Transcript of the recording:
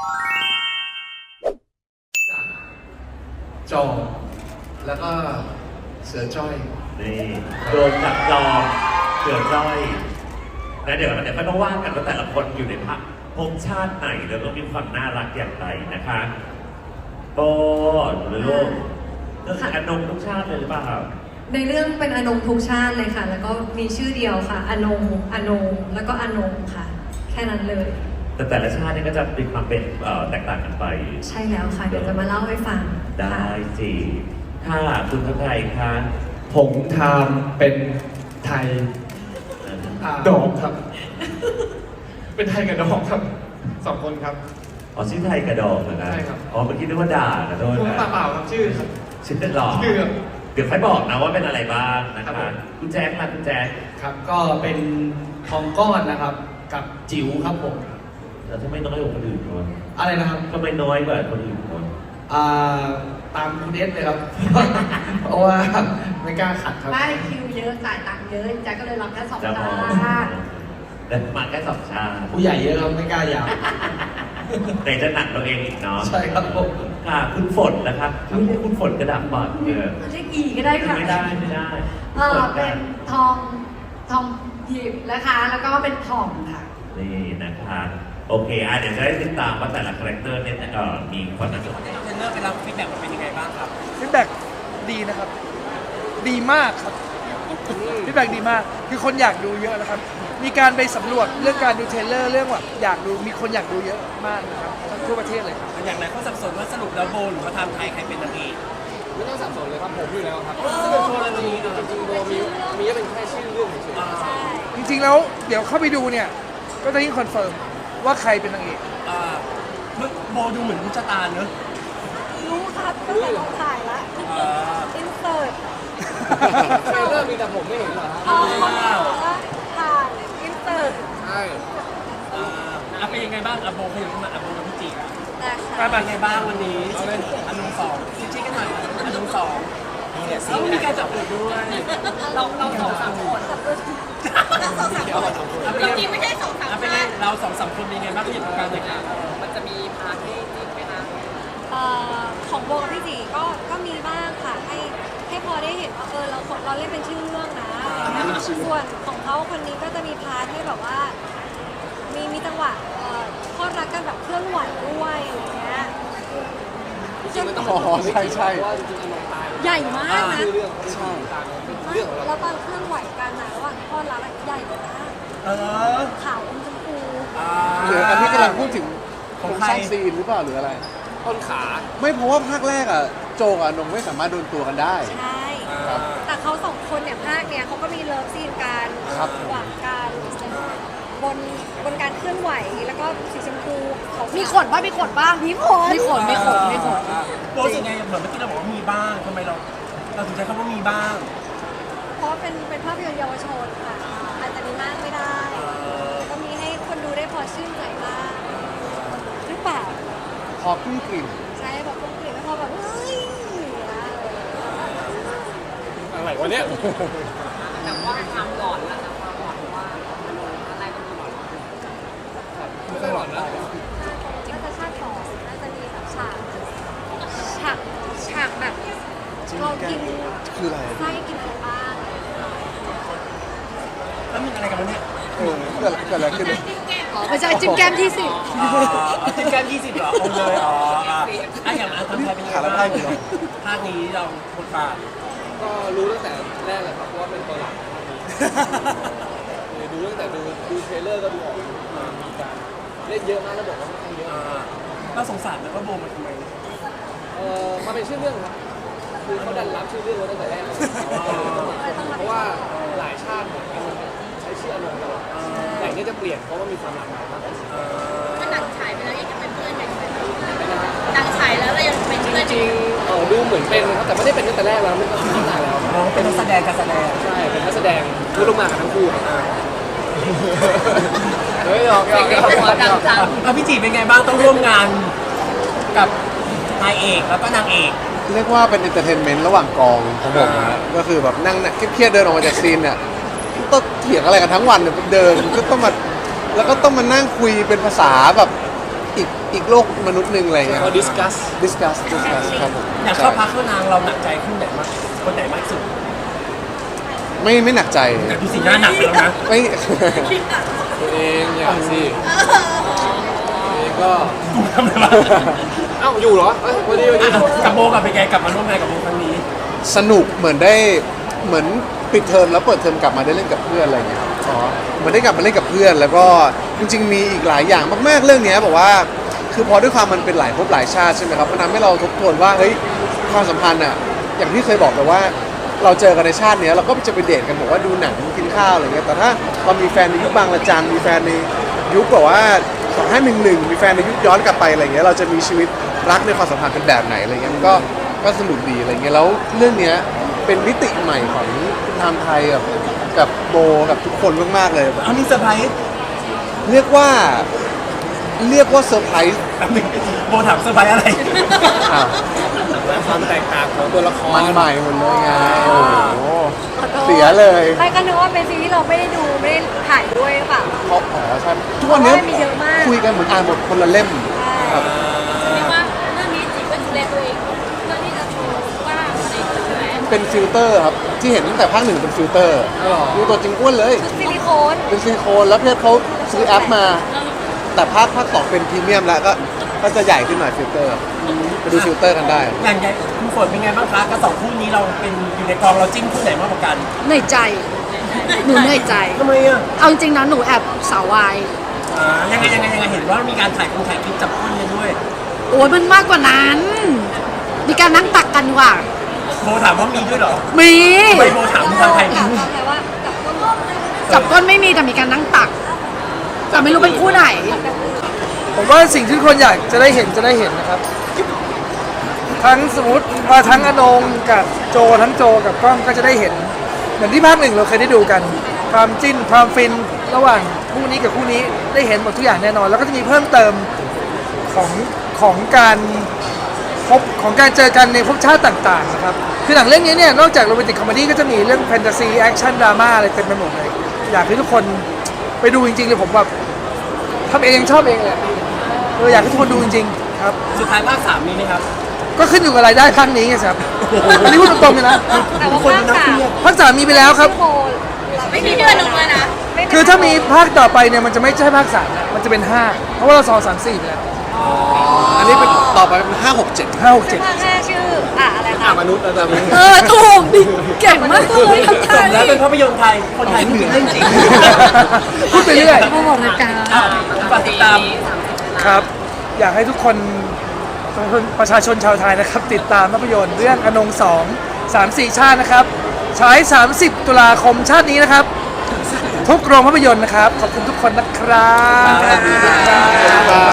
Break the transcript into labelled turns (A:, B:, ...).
A: จอมแล้วก็เสือจ้อย
B: นี่โดนจับจองเสือจ้อยแล้วเดี๋ยวก็ต้องว่ากันว่าแต่ละคนอยู่ในภพชาติไหนแล้วก็มีความน่ารักอย่างไรนะคะโป้หรือลูกก็คืออนงทุกชาติเลยหรือเปล่า
C: ในเรื่องเป็นอนงทุกชาติเลยค่ะ แล้วก็มีชื่อเดียวค่ะอนงแล้วก็อนงค่ะ แค่นั้นเลย
B: แต่ละชาตินี่ก็จะมีความเป็นแตกต่างกันไป
C: ใช่แล้วค่ะ เดี๋ยวจะมาเล่าให้ฟัง
B: ได้สิค่ะคุณทัพไทยคะ
A: ผงทามเป็นไทยดอกครับ เป็นไทยกับดอกครับ2 คนครับ
B: อ๋อชื่อไทยกระดองเหรอนะ
A: ใช่ครับ
B: อ๋อเมื่อกี้นึกว่าด่านะโทษ
A: ผม
B: นะ
A: เปล่าครับชื่อครับ
B: ชื่อเป็นหลอก
A: ชื่อครับ
B: เดี๋ยวค่อยบอกนะว่าเป็นอะไรบ้างนะ
A: ครั
B: คะ
A: บผม
B: คุณแจ๊คมาคุณแจ๊ค
A: ครับก็เป็นทองก้อนนะครับ กับจิ๋วครับผม
B: แต่ทำไมน้อยกว่าคนอื่นคน
A: อะไรนะครับ
B: ทำไมน้อยกว่าคนอื่นคน
A: ตามคุณเอสเลยครับ เพราะว่าไม่กล้าขัดครับ
D: ไม่คิวเยอะจ่ายตังค์เยอะแจ็คก็เลยรับแค่สอง
B: จะ
D: ชา
B: พอ
D: ติ
B: แต่มาแค่สองชาติ
A: ผู้ใหญ่เยอะครับไม่กล้ายาว
B: แต่จะหนักเราเองอีกเนาะ
A: ใช่ครับผม
B: ค่ะคุณฝนนะครับไม่ใช่คุณฝนกระดับปอดเออ
D: เรียกอีก็ได้ค่ะ
B: ไม่ได้ไม่ได้
D: เป็นทองหยิบนะคะ แล้วก็เป็นทองค่ะ
B: นี่นะคะโอเคเดี๋ยวจะได้ติดตามว่าแต่ละคาแรคเตอร์เนี่ยมีความน่าสนใจ
E: เทรนเนอร์ไปรับฟีดแบ็กมันเป็นยังไงบ้างครับ
F: ฟีดแบ็กดีนะครับ ดีมากครับฟีดแบ็กดีมาก คือคนอยากดูเยอะนะครับ มีการไปสำรวจเรื่องการดูเทรลเลอร์เรื่องแบบอยากดูมีคนอยากดูเยอะมากนะครับทั่วประเทศเลยครับ
E: อย่างไรเขาสับสนว่าสรุปแล้วโบหรือว่าไทม์ไทยใครเป็นนางเอก
G: ไม่ต้องสับสนเลยครับผมอยู่แล้วครับ
E: ซึ่งเป็นโชว์อะไรวันนี้
G: จริงๆโบมีก็เป็นแค่ชื่อเรื่องเฉยๆ
F: จริงๆแล้วเดี๋ยวเข้าไปดูเนี่ย ก็จะยิ่งคอนเฟิร์มว่าใครเป็นนางเอก
E: โบดูเหมือนรู้ชะตาเนอะ
D: รู้ครับตั้งแต่เราถ่ายละอินเสิร์ต
G: เทรลเลอร์มีแต่ผมไม่เห็นเหรอฮะ
D: ถ่ายอินเสิร์ต
G: ใช่
E: เป็นยังไงบ้างโบขยับมาโบกับพี่จี
D: นะคะ
E: เป็นยังไงบ้างวันนี้เอาเป็นอนุสองชี้กันหน่อยอนุสองซึ่งมีการจับมือด้วย
D: เราสองสามคนจริงไม่ใช่สองสาม
E: เป็นไงเราสองสามคนเป็นยังไงบ้างที่อยู่ตรงกลางเลยค่ะ
D: มันจะมีพาร์ทให้จริงไหมคะของโบกับพี่จีก็มีบ้างค่ะให้พอได้เห็นว่าเราเล่นเป็นชื่อเรื่องนะอะไรเงี้ยส่วนของเขาคนนี้ก็จะมีพาร์ทให้แบบว่า มีจังหวะทอดรักกันแบบเคลื่อนไหวด้วยอะไรเงี้ย
G: จริงๆมันต้องใช่เพราะว่าจริงๆมันตาย
D: ใหญ่มากนะ
G: ชื่อเรื่องใช่ตามเป็นเรื่องของเรา
D: แล้วตอนเคลื่อนไหวกันนะระหว่างทอดรักใหญ่เลยนะขาวอมชมพู
H: หรืออันที่กำลังพูดถึง
E: ของ
H: โครง
E: ใคร
H: สร้างซีนหรือเปล่าหรืออะไร
G: ต้นขา
H: ไม่เพราะว่าภาคแรกอ่ะโจงอ่ะนงไม่สามารถโดนตัวกันได้
D: ใช่แต่เขาสองคนเนี่ยภาคเนี่ยเขาก็มีเลิฟซีนกัน
H: ครับ
D: หวานกันบนการเคลื่อนไหวแล้วก็สีชมพูมีขนป่ะมีขน
E: โบรู้สึกไงเหมือนเมื่อกี้เราบอกว่ามีบ้างทำไมเราถึงใช้คำว่ามีบ้าง
D: เพราะเป็นภาพยนตร์เยาวชนค่ะอาจจะมีมากไม่ได้ก็มีให้คนดูได้พอชื่นใจบ้างหรือเปล่า
H: พอขึ้นกลิ่น
D: ใช่แบบกลมกลิ่นไม่พอแบบเฮ้ยอย่างเงี้ย
G: อะไรวะเนี่ย
D: แต่ว่าทำหลอนแล้วนะความหลอนว่าอะไรมันหลอน
G: ไม่ต้องหลอนนะ
D: น่าจะชาติต่อน่าจะมีแบบฉากแบบเรากิน
H: คืออะไร
D: ไส้กินอะไรบ้าง
E: แล้วมันอะไรกันวะเนี่ย
H: เกิดอะไรขึ้น
D: อ๋อไม่ใช่จิ้มแก้มที่สิบ
E: จิ้มแก้ม20เหรอเอาเลยอย่างนั้นทำไทยเป็นยังไงบ้างภาคนี้เราบทบาท
G: ก็รู้ตั้งแต่แรกเลยครับว่าเป็นตัวหลักดูตั้งแต่ดูเทรลเลอร์ก็ดูออกมีการเล่นเยอะมากแล้วบอกว่าค่อนข้างเยอะ
E: เราสงสารแล้วก็โบมันทำไม
G: มาเป็นชื่อเรื่องครับคือเขาดันรับชื่อเรื่องไว้ตั้งแต่แรกเลยเพราะว่าหลายชาติเนี่ยมันใช้ชื่ออารมณ์ตลอดแต่อันนี้จะเปลี่ยนเพราะว่ามีความหลากหลายมากขึ้น
D: ถ้าหนังฉายไปแล้วยังจะเป็นเพื่อนกันหนังฉายแล้วเรายังเป็นเพื่อน
G: จริงๆดูเหมือนเป็นครับแต่ไม่ได้เป็นตั้งแต่แรกแล้วไม่ต้องตั้งแต่แล้ว
E: เราเป็นนักแสดงการแสดง
G: ใช่เป็นนักแสดงพูดลงมากันทั้งคู่เฮ้ยหยอก
E: พี่จีเป็นไงบ้างต้องร่วมงานกับนายเอกแล้วก็นางเอก
H: เรียกว่าเป็นเอนเตอร์เทนเมนต์ระหว่างกองของผมนะก็คือแบบนั่งเครียดๆเดินออกมาจากซีนเนี่ยต้องเถียงอะไรกันทั้งวันเนี่ยเดินก็ต้องมาแล้วก็ต้องมานั่งคุยเป็นภาษาแบบอีกโลกมนุษย์หนึ่งอะไรเงี้ย
G: เราดิสคัส
H: discuss ครับผม
E: อยากเข้าพักเข้านางเราหนักใจคู่ไหนมากคนไหนมากที่สุด
H: ไม่หนักใจ
E: แต่ดูสีหน้าหนักไปแล้วนะ
H: ไม่
G: ตัวเองอย่าสิตัวเองก็
E: กูทำอะไรมา
G: เอ้าอยู่เหรอเอ้ยวันนี้
E: กับโบกับไปแกกลับมาร่วมงานกับโบครั้งนี้
H: สนุกเหมือนปิดเทอมแล้วเปิดเทอมกลับมาได้เล่นกับเพื่อนอะไรเงี้ยอ๋อเหมือนได้กลับมาเล่นกับเพื่อน แล้วก็จริงๆมีอีกหลายอย่างมากๆเรื่องเนี้ยบอกว่าคือพอด้วยความมันเป็นหลายภพหลายชาติใช่ไหมครับมันทำให้เราทบทวนว่าเฮ้ยความสัมพันธ์อ่ะอย่างที่เคยบอกไปว่าเราเจอกันในชาติเนี้ยเราก็จะไปเดทกันบอกว่าดูหนังกินข้าวอะไรเงี้ยแต่ถ้าเรามีแฟนในยุคบางระจันมีแฟนในยุคแบบว่า2511มีแฟนในยุคย้อนกลับไปอะไรเงี้ยเราจะมีชีวิตรักในความสัมพันธ์เป็นแบบไหนอะไรเงี้ยมันก็สนุกดีอะไรเงี้ยแล้วเรื่องเนี้ยเป็นมิติใหม่ของคุณธรรมไทยกับโบกับทุกคนมากๆเลย
E: เอานี่เซอร์ไพรส์
H: เรียกว่าเซอร์ไพรส์
E: แป๊บนึงโบถามเซอร์ไพรส์อะไร
H: อ้าว
G: ความแตกต่างของตัวละคร
H: มันใหม่หมดเลยไงโอ้โห
D: ขอโทษ
H: เสียเลย
D: ไม่ก็นึกว่าเป็นซีรีส์ที่เราไม่ได้ดูไม่ได้ถ่ายด้วยหรือเปล่า
H: เพราะใช่ทุกวันนี้
D: เพราะว่ามีเยอะมาก
H: คุยกันเหมือนอ่านบทคนละเล่มครับ
I: เรียกว่าเรื่องนี้จีก็ดูแลตัวเองเพื่อที่จะโชว์ว่าอะไรใช่ไหม
H: เป็นฟิลเตอร์ครับ ที่เห็นตั้งแต่ภาคหนึ่งเป็นฟิลเตอร์ดูตัวจริงอ้วนเลย
D: ชุดซิลิโคน
H: เป็นซิลิโคนแล้วเพชรเขาซื้อแอปมา แต่ภาคสองเป็นพรีเมียมแล้วก็จะใหญ่ขึ้นหน่อยฟิลเตอร์ไปดูฟิลเตอร์กันได้
E: อย่างใหญ่คุณฝนเป็นไงบ้างคะกับสองคู่นี้เราเป็นอยู่ในกองเราจิ้นคู่ไหนมากกว่ากัน
I: เหนื่อยใจ หนูเหนื่อยใจ
E: ทำไมอ่ะ
I: เอาจริงๆนะหนูแอบสาววาย
E: ยังไงเห็นว่ามีการถ่ายคลิปจับคู่กันด้วย
I: โอ้ยมันมากกว่านั้น มีการนั่งตักกันว่ะ
E: โบถามว่ามีด้วยเหรอ
I: มี
E: ทำไมโบถามทางไทย
D: ถามแต่ว่ากับต้น
I: จับก้นไม่มีแต่มีการนั่งตัก แต่ไม่รู้เป็นคู่ไหน
F: ผมว่าสิ่งที่ทุกคนอยากจะได้เห็นนะครับ ทั้งสมมติทั้งอนงกับโจทั้งโจกับก้องก็จะได้เห็น เหมือนที่ภาคหนึ่งเราเคยได้ดูกัน ความจิ้นความฟินระหว่างคู่นี้กับคู่นี้ได้เห็นหมดทุกอย่างแน่นอน แล้วก็จะมีเพิ่มเติมของการพบของการเจอกันในภพชาติต่างๆนะครับคือหนังเรื่องนี้เนี่ยนอกจากโรแมนติกคอมเมดี้ก็จะมีเรื่องแฟนตาซีแอคชั่นดราม่าอะไรเต็มไปหมดเลยอยากให้ทุกคนไปดูจริงๆเลยผมแบบทำเองชอบเองเลยอยากให้ทุกคนดูจริงๆครับ
E: สุดท้ายภาค3มีไหมครับ
F: ก็ขึ้นอยู่กับรายได้ครั้งนี้ไงครับอันนี้พูดตรงๆเลยนะ
D: แต่ว่าภาค 3
F: ภาค 3มีไปแล้วครับ
D: โบไม่มีเดือนนึงเลยนะ
F: คือถ้ามีภาคต่อไปเนี่ยมันจะไม่ใช่ภาค3แล้วมันจะเป็น 5 เพราะว่าเรา2 3 4ไปแล้ว
H: อันนี้เป็นต่อไปเป็น5 6 7
F: 5 6
D: ซึ่ง
F: 7
D: ภาค 5 ชื่ออะไรคะ
G: มนุษย์นะจ๊ะ
I: ถูกดิเก่งมากเลยทำไท
E: สม
I: ย
E: แล้วเป็นภาพยนตร์ไทย คนไทยพูดเรื่องจริง
F: พูดไปเรื่อย
I: มาบอกรายการ
E: ฝากติดตาม
F: ครับ อยากให้ทุกคนประชาชนชาวไทยนะครับ ติดตามภาพยนตร์เรื่องอนง2 3 4 ชาตินะครับฉาย30 ตุลาคมชาตินี้นะครับ ทุกโรงภาพยนตร์นะครับ ขอบคุณทุกคนนะครับ